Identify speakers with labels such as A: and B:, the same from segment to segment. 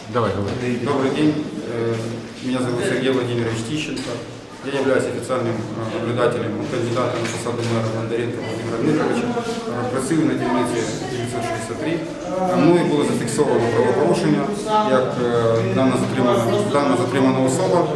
A: Давай, говори.
B: Добрый день. Меня зовут Сергей Владимирович Тищенко. Я являюсь официальным наблюдателем кандидата на посаду мэра Бондаренка Владимира Дмитровича. Працюю на дільниці 963. Мною було зафіксовано правопорушення, як дана затримана особа,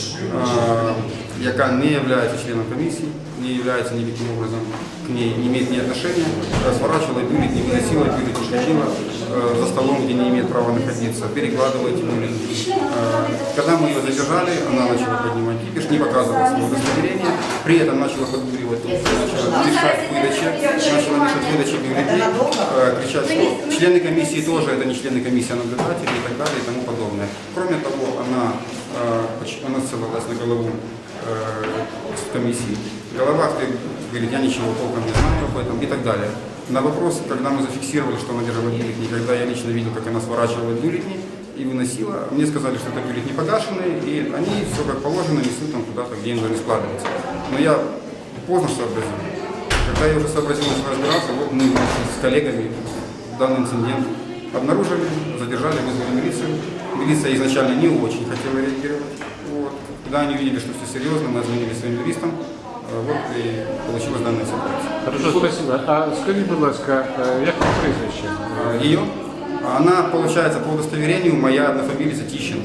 B: яка не є членом комісії, не є никаким образом к ней, не имеет ни отношения, сворачивала бюллетени, выносила бюллетени, ходила за столом, где не имеет права находиться, перекладывала эти бюллетени. Когда мы ее задержали, она начала поднимать кипиш, не показывала свое удостоверение, при этом начала подбуривать, начала мешать выдаче бюллетеней, кричать, что члены комиссии тоже, это не члены комиссии, а наблюдатели и так далее и тому подобное. Кроме того, она ссылалась на голову комиссии. Голова говорит, я ничего толком не знаю об этом и так далее. На вопрос, когда мы зафиксировали, что она держала бюллетени, когда я лично видел, как она сворачивала бюллетени и выносила, мне сказали, что это бюллетени погашенные, и они все как положено несут там куда-то, где им должны складываться. Но я поздно сообразил. Когда я уже сообразил, начал разбираться, вот мы с коллегами данный инцидент обнаружили, задержали, вызвали милицию. Милиция изначально не очень хотела реагировать. Вот. Когда они увидели, что все серьезно, мы звонили своим юристам. Вот и получилась данная ситуация.
A: Хорошо, спасибо. А скажи, будь ласка, як вам прізвище?
B: Ее? Она, получается, по удостоверению моя однофамилица Тищенко.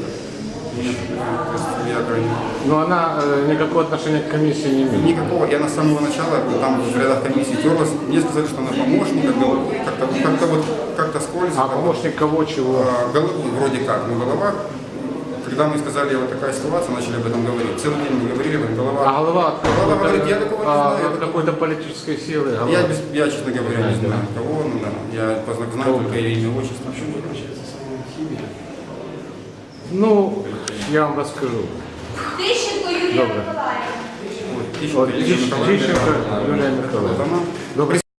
A: Но она никакого отношения к комиссии не имеет?
B: Никакого. Я на самого начала, там в рядах комиссии терлась, мне сказали, что она помощник, как-то скользко.
A: А помощник кого, чего?
B: Вроде как, но голова. Когда мы сказали, вот такая ситуация, начали об этом говорить. Целый день мы говорили, голова.
A: А голова
B: говорит, я такого не знаю.
A: от какой-то политической силы?
B: Я, честно говоря, не знаю кого, ну да. Я знаю только ее имя, отчество.
A: Ну, я вам расскажу.
C: Тищенко Юлія
A: Добре.
C: Миколаївна.
B: Тищенко Юлия Николаевна.
A: Тищенко Юлия Николаевна.
B: Добрый